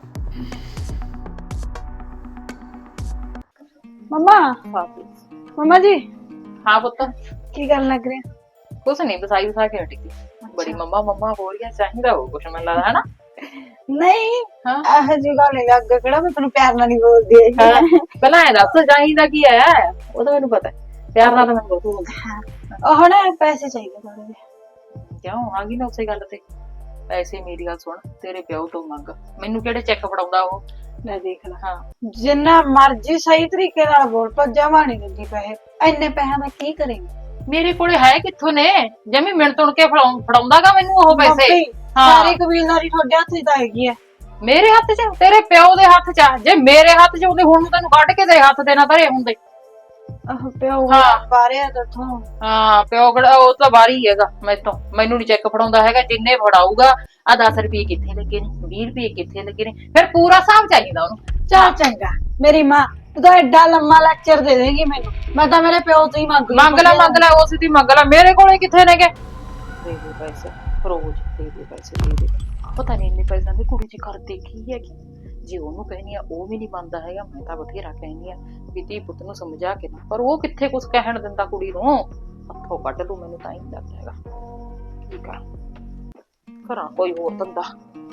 Speaker 4: ਮਮਾ ਜੀ
Speaker 3: ਹਾਂ ਪੁੱਤ,
Speaker 4: ਕੀ ਕਰਨ ਲੱਗ ਰਹੇ?
Speaker 3: ਕੁਛ ਨਹੀਂ, ਬਸਾਈ ਬਸਾ ਕੇ ਹਟੀ ਸੀ। ਬੜੀ ਮੰਮਾ ਹੋ ਰਹੀ ਹੈ, ਚਾਹੀਦਾ ਹੋ ਕੁਛ ਮੈਨੂੰ ਲੱਗਦਾ ਹੈ ਨਾ?
Speaker 4: ਨਹੀਂ,
Speaker 3: ਹਾਂ
Speaker 4: ਇਹੋ ਜਿਹੀ ਗੱਲ ਨਹੀਂ। ਅੱਗੇ ਕਿਹੜਾ ਮੈਂ ਤੈਨੂੰ ਪਿਆਰ ਨਾਲ ਨਹੀਂ ਬੋਲਦੀ ਹੈਗੀ।
Speaker 3: ਪਹਿਲਾਂ ਇਹ ਦੱਸ ਚਾਹੀਦਾ ਕੀ ਹੈ? ਉਹ ਤਾਂ ਮੈਨੂੰ ਪਤਾ, ਪਿਆਰ ਨਾਲ ਤਾਂ ਮੈਨੂੰ ਬਹੁਤ ਹੁੰਦਾ।
Speaker 4: ਉਹ ਹੁਣ ਪੈਸੇ ਚਾਹੀਦੇ ਥੋੜੇ ਜਿਹੇ।
Speaker 3: ਕਿਉਂ ਆ ਗਈ ਨਾ ਉਸੇ ਗੱਲ ਤੇ? ਪੈਸੇ ਮੇਰੀ ਗੱਲ ਸੁਣ, ਤੇਰੇ ਪਿਓ ਤੋਂ ਮੰਗ, ਮੈਨੂੰ ਕਿਹੜੇ ਚੈੱਕ ਫੜਾਉਂਦਾ ਉਹ?
Speaker 4: ਲੈ ਦੇਖ ਲੈ,
Speaker 3: ਹਾਂ
Speaker 4: ਜਿੰਨਾ ਮਰਜ਼ੀ ਸਹੀ ਤਰੀਕੇ ਨਾਲ ਬੋਲ, ਪਰ ਜਮਾ ਨਹੀਂ ਦਿੰਦੀ ਪੈਸੇ। ਇੰਨੇ ਪੈਸਿਆਂ ਦਾ ਕੀ ਕਰੇਂਗੀ?
Speaker 3: ਮੇਰੇ ਕੋਲੇ ਹੈ ਕਿੱਥੋਂ ਨੇ? ਜਮੀ ਮਿੰਟ ਤੁਣ ਕੇ ਫੜਾਉਂਦਾਗਾ ਮੈਨੂੰ ਉਹ ਪੈਸੇ।
Speaker 4: ਸਾਰੀ ਕਬੀਲਦਾਰੀ ਤੁਹਾਡੇ ਹੱਥ 'ਚ ਤਾਂ ਹੈਗੀ ਹੈ।
Speaker 3: ਮੇਰੇ ਹੱਥ 'ਚ? ਤੇਰੇ ਪਿਓ ਦੇ ਹੱਥ 'ਚ? ਜੇ ਮੇਰੇ ਹੱਥ 'ਚ ਹੁੰਦੇ ਹੁਣ ਤੈਨੂੰ ਕੱਢ ਕੇ ਤੇਰੇ ਹੱਥ ਤੇ ਨਾ ਧਰੇ ਹੁੰਦੇ।
Speaker 4: ਪਿਓ
Speaker 3: ਹਾਂ।
Speaker 4: ਬਾਰੇ ਦੱਸੋ।
Speaker 3: ਹਾਂ ਪਿਓ ਕਿਹੜਾ, ਉਹ ਤਾਂ ਬਾਰੀ ਹੈਗਾ ਮੈਥੋਂ। ਮੈਨੂੰ ਨੀ ਚੈੱਕ ਫੜਾਉਂਦਾ ਹੈਗਾ। ਜਿੰਨੇ ਫੜਾਊਗਾ ਆ 10 ਰੁਪਏ ਕਿੱਥੇ ਲੱਗੇ ਨੇ, 20 ਰੁਪਏ ਕਿੱਥੇ ਲੱਗੇ ਨੇ, ਫਿਰ ਪੂਰਾ ਹਿਸਾਬ ਚਾਹੀਦਾ ਉਹਨੂੰ।
Speaker 4: ਚੱਲ ਚੰਗਾ, ਮੇਰੀ ਮਾਂ ਤੂੰ ਤਾਂ ਐਡਾ ਲੰਮਾ ਲੈਕਚਰ ਦੇ ਦੇਗੀ ਮੈਨੂੰ। ਮੈਂ ਤਾਂ ਮੇਰੇ ਪਿਓ ਤੋਂ ਹੀ ਮੰਗ
Speaker 3: ਮੰਗ ਲੈ ਉਸ ਦੀ ਮੰਗ ਲੈ, ਮੇਰੇ ਕੋਲੇ ਕਿੱਥੇ ਨੇਗੇ? ਦੇ ਦੇ ਪੈਸੇ ਰੋਜ਼, ਦੇ ਦੇ ਪੈਸੇ, ਦੇ ਦੇ। ਪਤਾ ਨਹੀਂ ਇੰਨੇ ਪੈਸਿਆਂ ਦੀ ਕੁੜੀ ਜੀ ਕਰਦੇ ਕੀ ਹੈਗੀ। ਜੇ ਉਹਨੂੰ ਕਹਿਣੀ ਆ ਉਹ ਵੀ ਨਹੀਂ ਮੰਨਦਾ ਹੈਗਾ। ਮੈਂ ਤਾਂ ਬਥੇਰਾ ਕਹਿਣੀ ਆ ਵੀ ਧੀ ਪੁੱਤ ਨੂੰ ਸਮਝਾ ਕੇ ਨਾ, ਪਰ ਉਹ ਕਿੱਥੇ ਕੁਝ ਕਹਿਣ ਦਿੰਦਾ ਕੁੜੀ ਨੂੰ। ਹੱਥੋਂ ਕੱਢ ਲੂ ਮੈਨੂੰ ਤਾਂ ਹੀ ਲੱਗਦਾ ਹੈਗਾ। ਕੀ ਕਰਾਂ, ਕਰਾਂ ਕੋਈ ਹੋਰ ਧੰਦਾ।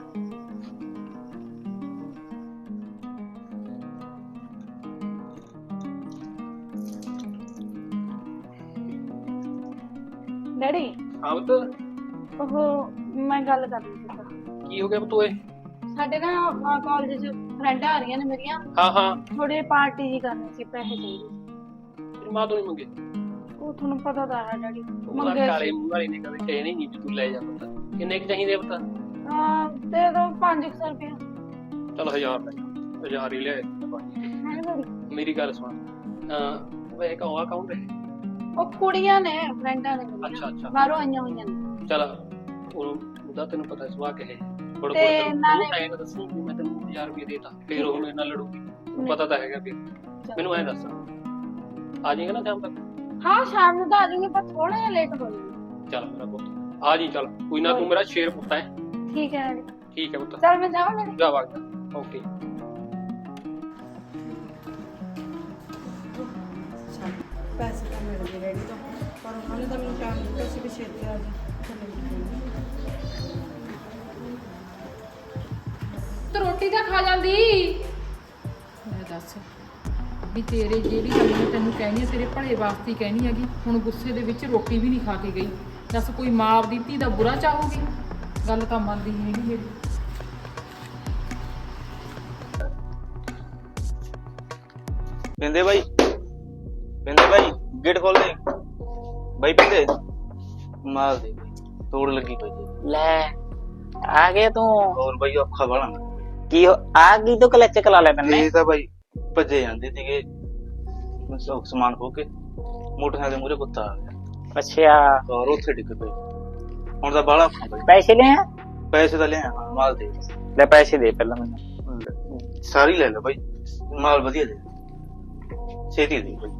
Speaker 4: ਡੈਡੀ
Speaker 5: ਹਾਂ ਪੁੱਤ,
Speaker 4: ਉਹ ਮੈਂ ਗੱਲ ਕਰਨੀ ਸੀ।
Speaker 5: ਕੀ ਹੋ ਗਿਆ ਪੁੱਤ ਓਏ?
Speaker 4: ਸਾਡੇ ਨਾ ਕਾਲਜ 'ਚ ਫਰੈਂਡਾਂ ਆ ਰਹੀਆਂ ਨੇ ਮੇਰੀਆਂ,
Speaker 5: ਹਾਂ ਹਾਂ,
Speaker 4: ਥੋੜੇ ਪਾਰਟੀ ਜੀ ਕਰਨੀ ਸੀ, ਪੈਸੇ ਚਾਹੀਦੇ।
Speaker 5: ਤੇਰੀ ਮਾਂ ਤੋਂ ਨਹੀਂ ਮੰਗੇ?
Speaker 4: ਉਹ ਤੁਹਾਨੂੰ ਪਤਾ ਤਾਂ ਹੈ ਡੈਡੀ,
Speaker 5: ਉਹਦਾ
Speaker 4: ਮੰਗੇ
Speaker 5: ਕਾਲੇ ਮੂੰਹ ਵਾਲੀ ਨੇ ਕਦੇ ਕਹਿਣੀ ਨਹੀਂ ਵੀ ਤੂੰ ਲੈ ਜਾ ਪੁੱਤ। ਕਿੰਨੇ ਕੁ ਚਾਹੀਦੇ ਆ ਪੁੱਤ?
Speaker 4: ਦੇ ਦੋ 500 ਰੁਪਏ।
Speaker 5: ਚਲ 1000 ਲੈ ਜਾ, 1000 ਹੀ ਲੈ
Speaker 4: ਹੈ ਡੈਡੀ।
Speaker 5: ਮੇਰੀ ਗੱਲ ਸੁਣ, ਵੇ ਕੌਣ ਕੌਣ ਰਹੇ?
Speaker 4: ਉਹ ਕੁੜੀਆਂ ਨੇ, ਫਰੈਂਡਾਂ ਨੇ ਮੇਰੀਆਂ,
Speaker 5: ਅੱਛਾ ਅੱਛਾ,
Speaker 4: ਬਾਹਰੋਂ ਆਈਆਂ ਹੋਈਆਂ ਨੇ।
Speaker 5: ਚਲ ਉਹਦਾ ਤੈਨੂੰ ਪਤਾ ਸੁਭਾਅ ਕਿਹੇ ਬੜ
Speaker 4: ਤੇ ਨਾਲੇ
Speaker 5: ਐਂ ਤਾਂ ਦੱਸੀ ਵੀ ਮੈਂ ਤੈਨੂੰ 1000 ਰੁਪਏ ਦੇਤਾ, ਫੇਰ ਉਹ ਮੇਰੇ ਨਾਲ ਲੜੂਗੀ। ਪਤਾ ਤਾਂ ਹੈਗਾ ਫਿਰ। ਮੈਨੂੰ ਐਂ ਦੱਸ, ਆ ਜਾਏਗਾ ਨਾ ਸ਼ਾਮ ਤੱਕ?
Speaker 4: ਹਾਂ ਸ਼ਾਮ ਨੂੰ ਤਾਂ ਆ ਜਾਊਂਗੀ, ਪਰ ਥੋੜਾ ਜਿਹਾ ਲੇਟ ਹੋ ਜਾਊਂਗੀ।
Speaker 5: ਚੱਲ ਮੇਰਾ ਪੁੱਤ ਆ ਜੀ, ਚੱਲ ਕੋਈ ਨਾ, ਤੂੰ ਮੇਰਾ ਸ਼ੇਰ ਪੁੱਤ ਹੈ।
Speaker 4: ਠੀਕ ਹੈ ਡੈਡੀ,
Speaker 5: ਠੀਕ ਹੈ ਪੁੱਤ,
Speaker 4: ਚੱਲ ਮੈਂ ਜਾਵਾਂ ਡੈਡੀ।
Speaker 5: ਜਾ ਵਗਦਾ। ਓਕੇ।
Speaker 7: ਪੈਸੇ ਤਾਂ ਮਿਲ ਗਏ ਡੈਡੀ ਤੋਂ, ਪਰ ਉਹਨਾਂ ਨੇ ਤਾਂ ਮੈਨੂੰ ਟਾਈਮ ਦਿੱਤਾ ਸੀ ਵੀ ਛੇਤੀ ਆ ਜਾ।
Speaker 3: ਤੂੰ ਰੋਟੀ ਤਾਂ ਖਾ ਜਾਂਦੀ। ਮੈਂ ਦੱਸ ਵੀ ਤੇਰੇ ਜਿਹੜੀ ਗੱਲ ਮੈਂ ਤੈਨੂੰ ਕਹਿਣੀ ਹੈ ਤੇਰੇ ਭਲੇ ਵਾਸਤੇ ਹੀ ਕਹਿਣੀ ਹੈਗੀ। ਹੁਣ ਗੁੱਸੇ ਦੇ ਵਿੱਚ ਰੋਟੀ ਵੀ ਨਹੀਂ ਖਾ ਕੇ ਗਈ। ਦੱਸ ਕੋਈ ਮਾਂ ਆਪਦੀ ਧੀ ਦਾ ਬੁਰਾ ਚਾਹੂਗੀ? ਗੱਲ ਤਾਂ ਮੰਨਦੀ ਨਹੀਂ ਹੈਗੀ ਮੇਰੀ।
Speaker 6: ਪਿੰਦੇ ਬਾਈ, ਪਿੰਦੇ ਬਾਈ, ਗੇਟ ਖੋਲ ਦੇ ਬਾਈ। ਪਿੰਦੇ ਮਾਲ ਦੇ ਬਾਈ, ਤੋੜ ਲੱਗੀ ਪਈ ਜੀ। ਲੈ ਆ ਗਿਆ ਤੂੰ?
Speaker 2: ਹੋਰ ਬਾਈ ਔਖਾ ਬਣਾ।
Speaker 6: ਕੀ ਆ ਗਈ ਤੂੰ ਕਲੱਚ ਕਲਾ ਲੈ ਤੈਨੇ?
Speaker 2: ਇਹ ਤਾਂ ਬਾਈ ਭੱਜੇ ਜਾਂਦੇ ਸੀਗੇ, ਸਮਾਨ ਖੋ ਕੇ ਮੋਟਰਸਾਈਕਲ ਦੇ ਮੂਹਰੇ ਕੁੱਤਾ ਆ ਗਿਆ
Speaker 6: ਅੱਛਾ,
Speaker 2: ਔਰ ਉੱਥੇ ਡਿੱਗ ਪਈ। ਹੁਣ ਤਾਂ ਬਾਹਲਾ ਔਖਾ ਬਾਈ।
Speaker 6: ਪੈਸੇ ਲੈ ਆ?
Speaker 2: ਪੈਸੇ ਤਾਂ ਲਿਆ, ਮਾਲ ਦੇ।
Speaker 6: ਲੈ ਪੈਸੇ ਦੇ ਪਹਿਲਾਂ ਮੈਨੂੰ।
Speaker 2: ਸਾਰੀ ਲੈ ਲੈ ਬਾਈ, ਮਾਲ ਵਧੀਆ ਦੇ, ਛੇਤੀ ਦੇ ਬਾਈ।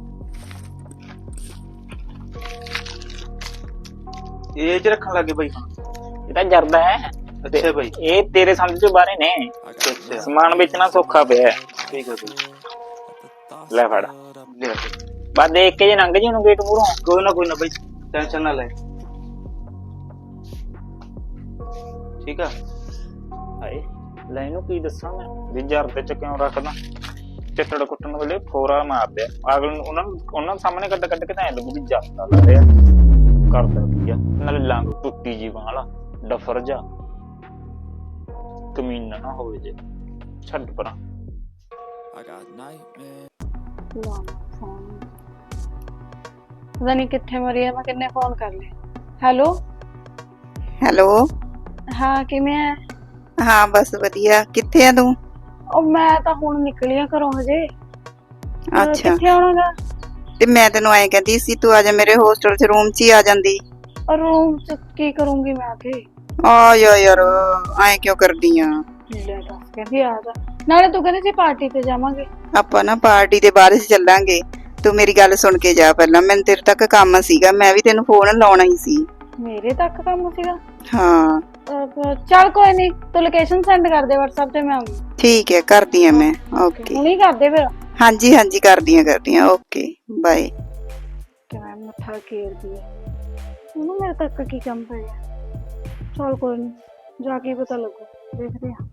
Speaker 2: ਇਹ ਚ ਰੱਖਣ ਲੱਗੇ ਬਾਈ ਹੁਣ?
Speaker 6: ਇਹ ਤਾਂ ਜਰਦਾ ਹੈ।
Speaker 2: ਅੱਛਾ ਬਾਈ,
Speaker 6: ਇਹ ਤੇਰੇ ਸਮਝ ਚੋਂ ਬਾਹਰੇ ਨੇ।
Speaker 2: ਅੱਛਾ
Speaker 6: ਸਮਾਨ ਵੇਚਣਾ ਸੌਖਾ ਪਿਆ।
Speaker 2: ਠੀਕ ਹੈ ਬਾਈ,
Speaker 6: ਲੈ ਫੜ,
Speaker 2: ਲਿਆ।
Speaker 6: ਬਸ ਦੇਖ ਕੇ ਜੇ ਲੰਘ ਜੀ ਉਹਨੂੰ ਗੇਟ ਮੂਹਰੋਂ।
Speaker 2: ਕੋਈ ਨਾ ਬਾਈ, ਟੈਨਸ਼ਨ ਨਾ ਲੈ। ਠੀਕ ਆ।
Speaker 6: ਹਾਏ ਲੈ ਇਹਨੂੰ ਕੀ ਦੱਸਾਂ ਮੈਂ ਵੀ ਜਰ ਤੇ ਚ ਕਿਉਂ ਰੱਖਦਾ। ਚਿੱਟੜ ਕੁੱਟਣ ਵੇਲੇ ਫੋਰਾ ਮਾਰਦੇ ਆ ਅਗਲ ਨੂੰ। ਉਹਨਾਂ ਸਾਹਮਣੇ ਕੱਢ ਕੇ ਤਾਂ ਐ ਲੱਗੂ ਵੀ ਜੱਟਾ ਲਾ ਰਿਹਾ ਕਰਦਾ ਕੀ ਆ। ਨਾਲੇ ਲੰਗ ਟੁੱਟੀ ਜੀ ਵਾਲਾ ਡਫਰ ਜਾ, ਕਮੀਨਾ ਨਾ ਹੋਵੇ ਜੇ। ਛੱਡ ਪਰਾਂ।
Speaker 4: ਪਤਾ ਨਹੀਂ ਕਿੱਥੇ ਮਰੀ ਹੈ, ਮੈਂ ਕਿੰਨੇ ਫੋਨ ਕਰ ਲਏ। ਹੈਲੋ
Speaker 1: ਹੈਲੋ,
Speaker 4: ਹਾਂ ਕਿਵੇਂ ਹੈ?
Speaker 1: ਹਾਂ ਬਸ ਵਧੀਆ। ਕਿੱਥੇ ਆ ਤੂੰ?
Speaker 4: ਉਹ ਮੈਂ ਤਾਂ ਹੁਣ ਨਿਕਲੀ ਆ ਘਰੋਂ ਹਜੇ।
Speaker 1: ਅੱਛਾ,
Speaker 4: ਕਿੱਥੇ ਆਉਣਾਗਾ?
Speaker 1: ਤੇ ਮੈਂ ਤੈਨੂੰ ਐਂ ਕਹਿੰਦੀ ਸੀ ਤੂੰ ਆ ਜਾ ਮੇਰੇ ਹੋਸਟਲ 'ਚ, ਰੂਮ 'ਚ ਹੀ ਆ ਜਾਂਦੀ।
Speaker 4: ਰੂਮ ਚ ਕੀ ਕਰੂੰਗੀ ਮੈਂ ਆ ਕੇ?
Speaker 1: ਆ ਯਾਰ ਐਂ ਕਿਉਂ ਕਰਦੀ ਆ?
Speaker 4: ਲੈ ਦੱਸ, ਕਹਿੰਦੀ ਆ ਜਾ। ਨਾਲੇ ਤੂੰ ਕਹਿੰਦੀ ਸੀ ਪਾਰਟੀ ਤੇ ਜਾਵਾਂਗੇ।
Speaker 1: ਆਪਾਂ ਨਾ ਪਾਰਟੀ ਦੇ ਬਾਅਦ 'ਚ ਚੱਲਾਂਗੇ। ਤੂੰ ਮੇਰੀ ਗੱਲ ਸੁਣ ਕੇ ਜਾ ਪਹਿਲਾਂ। ਮੈਨੂੰ ਤੇਰੇ ਤੱਕ ਕੰਮ ਸੀਗਾ, ਮੈਂ ਵੀ ਤੈਨੂੰ ਫੋਨ ਲਾਉਣਾ ਹੀ ਸੀ।
Speaker 4: ਮੇਰੇ ਤੱਕ ਕੰਮ ਸੀਗਾ?
Speaker 1: ਹਾਂ
Speaker 4: ਚੱਲ ਕੋਈ ਨਹੀਂ, ਤੂੰ ਲੋਕੇਸ਼ਨ ਸੈਂਡ ਕਰ ਦੇ WhatsApp ਤੇ, ਮੈਂ ਆਉਂਗੀ।
Speaker 1: ਠੀਕ ਹੈ, ਕਰਦੀ ਆ ਮੈਂ। ਓਕੇ,
Speaker 4: ਹੁਣੀ ਕਰ ਦੇ ਫਿਰ।
Speaker 1: ਹਾਂਜੀ ਹਾਂਜੀ, ਕਰਦੀ ਆ। Okay bye.
Speaker 4: ਕਿਵੇਂ ਮੱਥਾ ਘੇਰਦੀ ਹੈ ਉਹਨੂੰ, ਮੇਰੇ ਤੱਕ ਕੀ ਕੰਮ ਪੈ ਗਿਆ। ਚੱਲ ਕੋਈ ਨਹੀਂ, ਜਾ ਕੇ ਪਤਾ ਲੱਗੂ, ਦੇਖਦੇ ਆ।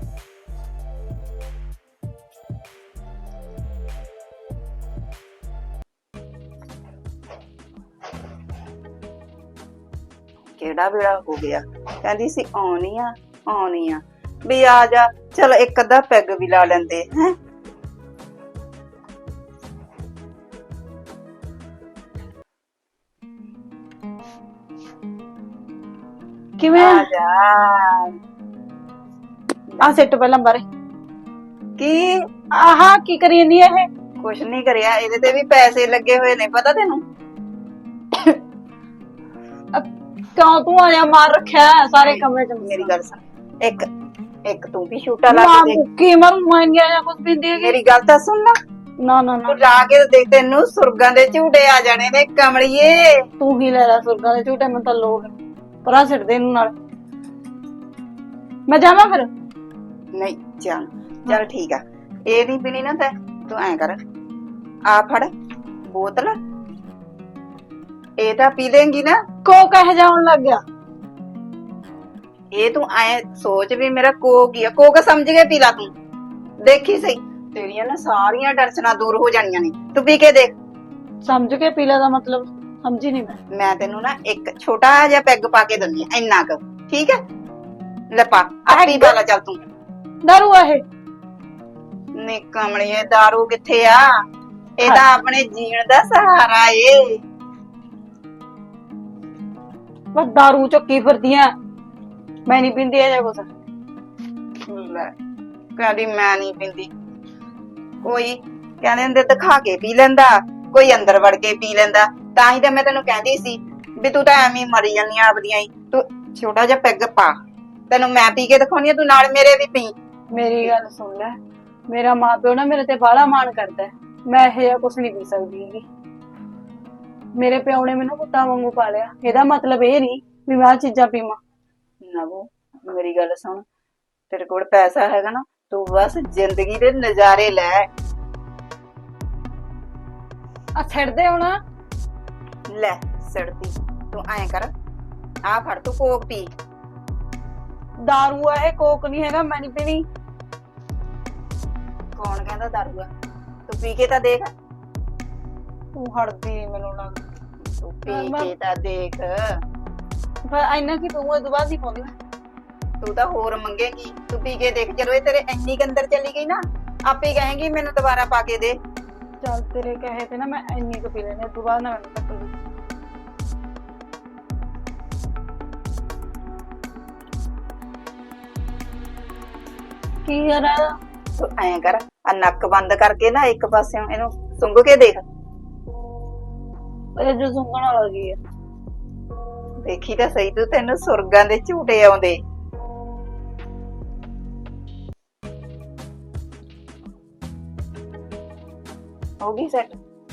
Speaker 1: ਕਿਹੜਾ ਵੇਲਾ ਹੋ ਗਿਆ, ਕਹਿੰਦੀ ਸੀ ਆਉਣੀ ਆ ਵੀ ਆ ਜਾ। ਚਲ ਇੱਕ ਅੱਧਾ ਪੈਗ ਵੀ ਲਾ ਲੈਂਦੇ ਹੈ।
Speaker 4: ਕਿਵੇਂ
Speaker 1: ਆ ਜਾ।
Speaker 4: ਆ ਸੈੱਟ ਪਹਿਲਾਂ ਬਾਰੇ
Speaker 1: ਕੀ?
Speaker 4: ਆਹਾ ਕੀ ਕਰੀ ਜਾਂਦੀ ਹੈ ਇਹ?
Speaker 1: ਕੁਛ ਨਹੀਂ ਕਰਿਆ, ਇਹਦੇ ਤੇ ਵੀ ਪੈਸੇ ਲੱਗੇ ਹੋਏ ਨੇ, ਪਤਾ ਤੈਨੂੰ?
Speaker 4: ਕਿਉਂ ਤੂੰ ਆਇਆ ਮਾਰ ਰੱਖਿਆ ਸਾਰੇ ਕਮਰੇ ਚ?
Speaker 1: ਮੇਰੀ ਗੱਲ ਸੁਣ, ਇੱਕ ਤੂੰ ਵੀ ਛੂਟਾ ਲਾ ਕੇ ਦੇਖ।
Speaker 4: ਕੀ ਮਰ ਮੈਂ ਨਹੀਂ ਆਇਆ ਕੁਝ ਵੀ ਦੇ।
Speaker 1: ਮੇਰੀ ਗੱਲ ਤਾਂ ਸੁਣ ਲਾ,
Speaker 4: ਨਾ ਨਾ ਨਾ
Speaker 1: ਤੂੰ ਲਾ ਕੇ ਦੇਖ, ਤੈਨੂੰ ਸੁਰਗਾਂ ਦੇ ਝੂਟੇ ਆ ਜਾਣੇ ਨੇ ਕਮਲੀਏ।
Speaker 4: ਤੂੰ ਹੀ ਲੈ ਲੈ ਸੁਰਗਾਂ ਦੇ ਝੂਟੇ, ਮੈਨੂੰ ਤਾਂ ਲੋੜ ਨੀ। ਪਰਾਂ ਛੱਡ ਦੇ ਇਹਨੂੰ ਨਾਲ। ਮੈਂ ਜਾਵਾਂ ਫਿਰ?
Speaker 1: ਨਹੀਂ ਚੱਲ ਠੀਕ ਆ। ਇਹ ਨਹੀਂ ਪੀਣੀ ਨਾ ਤੂੰ ਐਂ ਕਰ, ਆ ਫੜ ਬੋਤਲ, ਇਹ ਤਾਂ ਪੀ ਲੇਂਗੀ ਨਾ।
Speaker 4: ਕੋਕ ਇਹ ਜਾਉਣ ਲੱਗ ਗਿਆ।
Speaker 1: ਇਹ ਤੂੰ ਐ ਸੋਚ ਵੀ ਮੇਰਾ ਕੋਕ ਹੀ ਆ, ਕੋਕ ਸਮਝ ਕੇ ਪੀ ਲਾ ਤੂੰ, ਦੇਖੀ ਸਹੀ ਤੇਰੀਆਂ ਨਾ ਸਾਰੀਆਂ ਟੈਨਸ਼ਨਾਂ ਦੂਰ ਹੋ ਜਾਣੀਆਂ ਨੇ। ਤੂੰ ਪੀ ਕੇ ਦੇਖ।
Speaker 4: ਸਮਝ ਕੇ ਪੀ ਲੈ ਦਾ ਮਤਲਬ ਸਮਝੀ ਨਹੀਂ ਮੈਂ।
Speaker 1: ਮੈਂ ਤੈਨੂੰ ਨਾ ਇੱਕ ਛੋਟਾ ਜਿਹਾ ਪੈਗ ਪਾ ਕੇ ਦਿੰਦੀ ਆ, ਇੰਨਾ ਕੁ, ਠੀਕ ਹੈ? ਲੈ ਪਾ, ਆਪੀ ਪਾ ਲੈ ਚੱਲ ਤੂੰ।
Speaker 4: ਦਾਰੂ ਆ ਇਹ?
Speaker 1: ਨੀ ਕਮਲੀਏ, ਦਾਰੂ ਕਿੱਥੇ ਆ? ਇਹ ਤਾਂ ਆਪਣੇ ਜੀਣ ਦਾ ਸਹਾਰਾ ਏ।
Speaker 4: ਬਸ ਦਾਰੂ ਚੱਕੀ ਫਿਰਦੀਆਂ। ਮੈਂ ਨਹੀਂ ਪੀਂਦੀ ਇਹ ਜਿਹਾ ਕੁਛ।
Speaker 1: ਲੈ ਕਹਿੰਦੀ ਮੈਂ ਨਹੀਂ ਪੀਂਦੀ, ਕੋਈ ਕਹਿੰਦੇ ਹੁੰਦੇ ਦਿਖਾ ਕੇ ਪੀ ਲੈਂਦਾ, ਕੋਈ ਅੰਦਰ ਵੜ ਕੇ ਪੀ ਲੈਂਦਾ। ਤਾਂ ਹੀ ਤਾਂ ਮੈਂ ਤੈਨੂੰ ਕਹਿੰਦੀ ਸੀ ਵੀ ਤੂੰ ਤਾਂ ਐਵੇਂ ਮਰੀ ਜਾਂਦੀ ਆ ਆਪਦੀਆਂ ਹੀ। ਤੂੰ ਛੋਟਾ ਜਿਹਾ ਪੈਗ ਪਾ, ਤੈਨੂੰ ਮੈਂ ਪੀ ਕੇ ਦਿਖਾਉਣੀ ਆ, ਤੂੰ ਨਾਲ ਮੇਰੇ ਵੀ ਪੀ।
Speaker 4: ਮੇਰੀ ਗੱਲ ਸੁਣ ਲੈ, ਮੇਰਾ ਮਾਂ ਪਿਓ ਨਾ ਮੇਰੇ ਤੇ ਬਾਹਲਾ ਮਾਣ ਕਰਦਾ ਹੈ। ਮੈਂ ਇਹ ਜਿਹਾ ਕੁਛ ਨਹੀਂ ਪੀ ਸਕਦੀ ਹੈਗੀ। ਮੇਰੇ ਪਿਓ ਨੇ ਮੈਨੂੰ ਪੁੱਤਾਂ ਵਾਂਗੂ ਪਾਲਿਆ, ਇਹਦਾ ਮਤਲਬ ਇਹ ਨਹੀਂ ਵੀ ਮੈਂ ਆਹ ਚੀਜ਼ਾਂ ਪੀਵਾਂ।
Speaker 1: ਨਵੋ ਮੇਰੀ ਗੱਲ ਸੁਣ, ਤੇਰੇ ਕੋਲ ਪੈਸਾ ਹੈਗਾ ਨਾ, ਤੂੰ ਬਸ ਜ਼ਿੰਦਗੀ ਦੇ ਨਜ਼ਾਰੇ ਲੈ।
Speaker 4: ਆ ਛੱਡ ਦੇ ਹੁਣ।
Speaker 1: ਲੈ ਸੜਦੀ, ਤੂੰ ਐਂ ਕਰ, ਆ ਫੜ ਤੂੰ ਕੋਕ ਪੀ।
Speaker 4: ਦਾਰੂ ਆ ਇਹ, ਕੋਕ ਨਹੀਂ ਹੈਗਾ। ਮੈਂ ਨਹੀਂ ਪੀਣੀ।
Speaker 1: ਕੌਣ ਕਹਿੰਦਾ ਦਾਰੂ ਆ? ਤੂੰ ਪੀ ਕੇ ਤਾਂ ਦੇਖ।
Speaker 4: ਤੂੰ ਹੜਦੀ ਨੀ ਮੈਨੂੰ ਲੱਗਦਾ।
Speaker 1: ਤੂੰ ਪੀ ਕੇ ਤਾਂ ਦੇਖ।
Speaker 4: ਪਰ ਇੰਨਾ ਕੀ ਤੂੰ ਇਹ ਦੁਬਾਰਾ ਨਹੀਂ ਪਾਉਂਦੀ।
Speaker 1: ਤੂੰ ਤਾਂ ਹੋਰ ਮੰਗੇਗੀ, ਤੂੰ ਪੀ ਕੇ ਦੇਖ। ਜਦੋਂ ਇਹ ਤੇਰੇ ਇੰਨੀ ਕੁ ਅੰਦਰ ਚਲੀ ਗਈ ਨਾ, ਆਪੇ ਕਹੇਗੀ ਮੈਨੂੰ ਦੁਬਾਰਾ ਪਾ ਕੇ ਦੇ।
Speaker 4: ਚੱਲ ਤੇਰੇ ਕਹੇ ਤੇ ਨਾ ਮੈਂ ਇੰਨੀ ਕੁ ਪੀ ਲੈਣੀ, ਦੁਬਾਰਾ ਨਾ ਮੈਨੂੰ ਟੱਕਰ ਦੇ। ਕੀ ਯਾਰ
Speaker 1: ਤੂੰ ਐਂ ਕਰ, ਆ ਨੱਕ ਬੰਦ ਕਰਕੇ ਨਾ ਇੱਕ ਪਾਸਿਓਂ ਇਹਨੂੰ ਸੁੰਘ ਕੇ ਦੇਖ।
Speaker 4: ਇਹ ਜੋ ਸੁੰਘਣ ਵਾਲਾ ਕੀ ਆ?
Speaker 1: ਦੇਖੀ ਤਾਂ ਸਹੀ, ਤੂੰ ਤੈਨੂੰ ਸੁਰਗਾਂ ਦੇ ਝੂਟੇ ਆਉਂਦੇ। ਹੋ ਗਈ ਸੈਟ?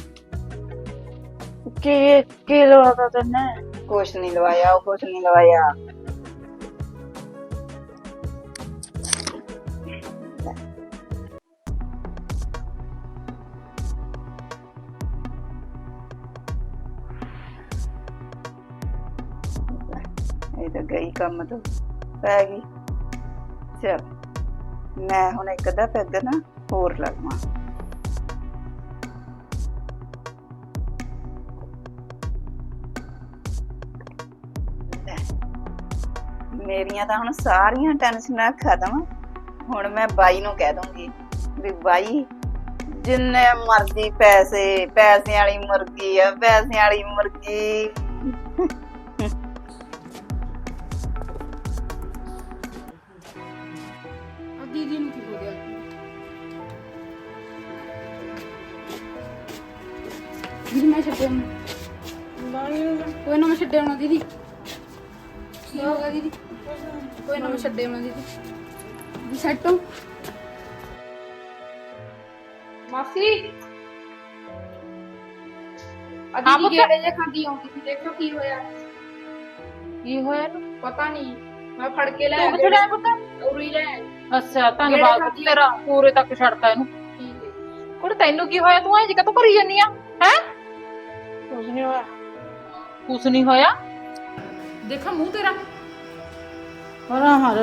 Speaker 4: ਕੀ ਲਵਾਤਾ ਤੈਨੇ?
Speaker 1: ਕੁਛ ਨਹੀਂ ਲਵਾਇਆ, ਉਹ ਕੁਛ ਨਹੀਂ ਲਵਾਇਆ। ਇਹ ਤਾਂ ਗਈ ਕੰਮ ਤੋਂ ਪੈ ਗਈ। ਚਲ ਮੈਂ ਹੁਣ ਇੱਕ ਅੱਧਾ ਪੈਗ ਨਾ ਹੋਰ ਲਗਵਾ। ਮੇਰੀਆਂ ਤਾਂ ਹੁਣ ਸਾਰੀਆਂ ਟੈਨਸ਼ਨਾਂ ਖਤਮ। ਹੁਣ ਮੈਂ ਬਾਈ ਨੂੰ ਕਹਿ ਦੂੰਗੀ ਵੀ ਬਾਈ ਜਿੰਨੇ ਮਰਜ਼ੀ ਪੈਸੇ, ਪੈਸਿਆਂ ਵਾਲੀ ਮੁਰਗੀ ਆ, ਪੈਸਿਆਂ ਵਾਲੀ ਮੁਰਗੀ।
Speaker 7: ਦੀਦੀ ਨੂੰ ਕੀ ਹੋ ਗਿਆ? ਦੀਦੀ ਮੈਂ ਛੱਡਿਆ ਕੋਈ ਨਾ, ਮੈਂ ਛੱਡਿਆ ਹੋਣਾ ਦੀਦੀ। ਕੀ ਹੋ ਗਿਆ ਦੀਦੀ? ਕੋਈ ਨਾ ਮੈਂ ਛੱਡਿਆ ਹੋਣਾ ਦੀਦੀ। ਦੀ ਸੈੱਟ ਹੋ
Speaker 3: ਮਾਸੀ
Speaker 7: ਦੀਦੀ ਗੇੜੇ ਜੇ ਖਾਂਦੀ ਆਉਂਦੀ ਸੀ, ਦੇਖੋ ਕੀ ਹੋਇਆ।
Speaker 3: ਕੀ ਹੋਇਆ ਨੂੰ
Speaker 7: ਪਤਾ ਨਹੀਂ, ਮੈਂ ਫੜ ਕੇ ਲੈ
Speaker 3: ਤੂੰ ਕਿੱਥੇ ਲੈ ਪੁੱਤ?
Speaker 7: ਉਰੀ ਲੈ ਆਈ।
Speaker 3: ਅੱਛਾ ਧੰਨਵਾਦ ਪੁੱਤ ਤੇਰਾ, ਪੂਰੇ ਤੱਕ ਛੱਡਤਾ ਇਹਨੂੰ।
Speaker 7: ਠੀਕ ਹੈ।
Speaker 3: ਕੁੜੇ ਤੈਨੂੰ ਕੀ ਹੋਇਆ? ਤੂੰ ਐਂ ਜਿਹਾ ਤੂੰ ਕਰੀ ਜਾਨੀ ਆ ਹੈ?
Speaker 4: ਕੁਝ ਨਹੀਂ ਹੋਇਆ।
Speaker 3: ਕੁਛ ਨਹੀਂ ਹੋਇਆ। ਦੇਖਾ ਮੂੰਹ ਤੇਰਾ।
Speaker 4: ਹਰਾ ਹਰ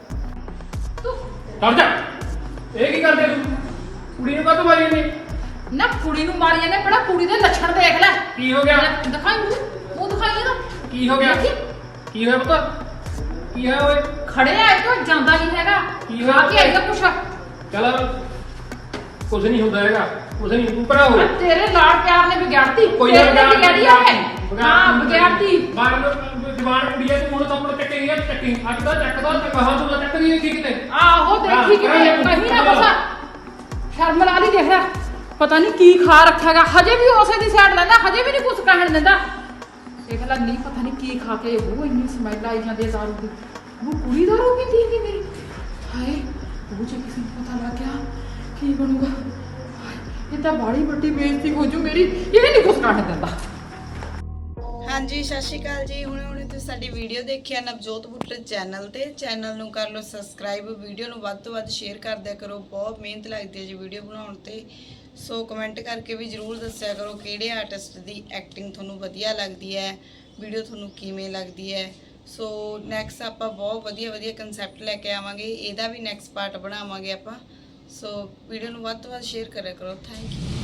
Speaker 5: ਕਰ ਜਾ। ਇਹ ਕੀ ਕਰਦੇ ਤੂੰ? ਕੁੜੀ ਨੂੰ ਕਾਹਤੋਂ ਮਾਰੀ ਜਾਂਦੀ?
Speaker 3: ਨਾ ਕੁੜੀ ਨੂੰ ਮਾਰੀ ਜਾਂਦੇ, ਬੜਾ ਕੁੜੀ ਦੇ ਲੱਛਣ ਦੇਖ ਲੈ।
Speaker 5: ਕੀ ਹੋ ਗਿਆ?
Speaker 3: ਦਿਖਾਈ ਮੂੰਹ ਦਿਖਾਈ ਇਹਦਾ।
Speaker 5: ਕੀ ਹੋ ਗਿਆ? ਕੀ ਹੋਇਆ ਪੁੱਤ? ਕੀ ਹੋਇਆ ਓਏ?
Speaker 3: ਖੜਿਆ ਹੈ ਤੂੰ, ਜਾਂਦਾ ਨਹੀਂ ਹੈਗਾ।
Speaker 5: ਕੀ ਹੋਇਆ?
Speaker 3: ਆ ਕੇ ਆਈਦਾ ਕੁਛ।
Speaker 5: ਚੱਲ ਕੁਝ ਨਹੀਂ ਹੁੰਦਾ ਹੈਗਾ, ਕੁਝ ਨਹੀਂ। ਤੂੰ ਭਰਾ ਹੋ।
Speaker 3: ਤੇਰੇ ਲਾੜ ਪਿਆਰ ਨੇ ਵਿਗਾੜਤੀ।
Speaker 5: ਕੋਈ
Speaker 3: ਤੇਰੇ
Speaker 5: ਨਾ
Speaker 3: ਨੇ ਵਿਗਾੜੀ ਹੈ। ਹਾਂ ਵਿਗਾੜਤੀ।
Speaker 5: ਬਾਹਰ ਜਵਾਨ ਕੁੜੀ ਹੈ, ਤੂੰ ਹੁਣ ਤਾਂ ਚੱਕੇ ਗਈ ਚੱਕੀ। ਅੱਜ ਦਾ ਚੱਕਦਾ ਤੇ ਕਹਾਂ ਤੂੰ ਚੱਕ ਨਹੀਂ ਦੇਖੀ ਕਿਤੇ।
Speaker 3: ਆਹੋ ਦੇਖੀ ਕਿਵੇਂ ਕਹੀਂ ਨਾ ਬਸਾ। ਸ਼ਰਮ ਲਾ ਲਈ ਦੇਖ ਲੈ। ਪਤਾ ਨਹੀਂ ਕੀ ਖਾ ਰੱਖਿਆਗਾ, ਹਜੇ ਵੀ ਉਸੇ ਦੀ ਸਾਈਡ ਲੈਂਦਾ, ਹਜੇ ਵੀ ਨਹੀਂ ਕੁਝ ਕਹਿਣ ਦਿੰਦਾ। ਦੇਖ ਲੈ, ਨਹੀਂ ਪਤਾ ਨਹੀਂ ਕੀ ਖਾ ਕੇ ਉਹ ਇੰਨੀ ਸਮੈਲ ਆਈ ਜਾਂਦੀ ਹੈ ਦਾਰੂ ਦੀ। ਉਹ ਕੁੜੀ ਦਾਰੂ ਪੀਂਦੀ ਹੈਗੀ ਮੇਰੀ। ਹਾਏ ਉਹ ਜੇ ਕਿਸੇ ਨੂੰ ਪਤਾ ਲੱਗ ਗਿਆ ਕੀ ਬਣੂਗਾ? ਇਹ ਤਾਂ ਬਾੜੀ ਵੱਡੀ ਬੇਇੱਜ਼ਤੀ ਹੋ ਜੂ ਮੇਰੀ, ਇਹ ਨਹੀਂ ਕੁਛ ਕੱਟ ਦਿੰਦਾ।
Speaker 1: ਹਾਂਜੀ ਸਤਿ ਸ਼੍ਰੀ ਅਕਾਲ ਜੀ। ਹੁਣੇ ਤੁਸੀਂ ਸਾਡੀ ਵੀਡੀਓ ਦੇਖਿਆ ਨਵਜੋਤ ਬੁੱਟਰ ਚੈਨਲ ਨੂੰ ਕਰ ਲਓ ਸਬਸਕ੍ਰਾਈਬ, ਵੀਡੀਓ ਨੂੰ ਵੱਧ ਤੋਂ ਵੱਧ ਸ਼ੇਅਰ ਕਰ ਦਿਆ ਕਰੋ। ਬਹੁਤ ਮਿਹਨਤ ਲੱਗਦੀ ਹੈ ਜੀ ਵੀਡੀਓ ਬਣਾਉਣ ਤੇ। ਸੋ ਕਮੈਂਟ ਕਰਕੇ ਵੀ ਜਰੂਰ ਦੱਸਿਆ ਕਰੋ ਕਿਹੜੇ ਆਰਟਿਸਟ ਦੀ ਐਕਟਿੰਗ ਤੁਹਾਨੂੰ ਵਧੀਆ ਲੱਗਦੀ ਹੈ, ਵੀਡੀਓ ਤੁਹਾਨੂੰ ਕਿਵੇਂ ਲੱਗਦੀ ਹੈ। ਸੋ ਨੈਕਸਟ ਆਪਾਂ ਬਹੁਤ ਵਧੀਆ ਕਨਸੈਪਟ ਲੈ ਕੇ ਆਵਾਂਗੇ, ਇਹਦਾ ਵੀ ਨੈਕਸਟ ਪਾਰਟ ਬਣਾਵਾਂਗੇ ਆਪਾਂ। ਸੋ ਵੀਡੀਓ ਨੂੰ ਵੱਧ ਤੋਂ ਵੱਧ ਸ਼ੇਅਰ ਕਰਿਆ ਕਰੋ। Thank you.